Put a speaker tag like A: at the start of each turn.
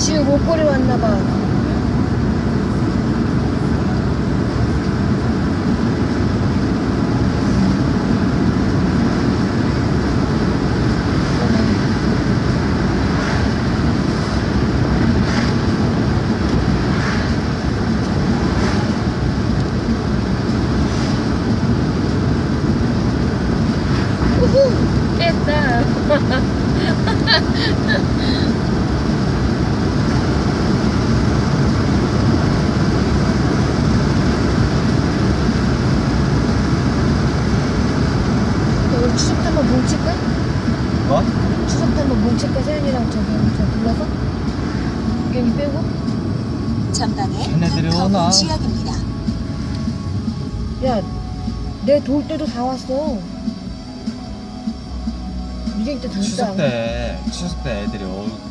A: 지우 목걸이 왔나봐. 우후! 깼다. 우리 추석 때 한번 뭉칠까?
B: 뭐?
A: 추석 때 한번 뭉칠까? 세연이랑 저 불러서? 유경이 빼고?
C: 전방에
B: 걔네들이 오나?
C: 컴터블 지역입니다.
A: 야, 내 돌 때도 다 왔어. 유경이 때 진짜.
B: 추석 때 애들이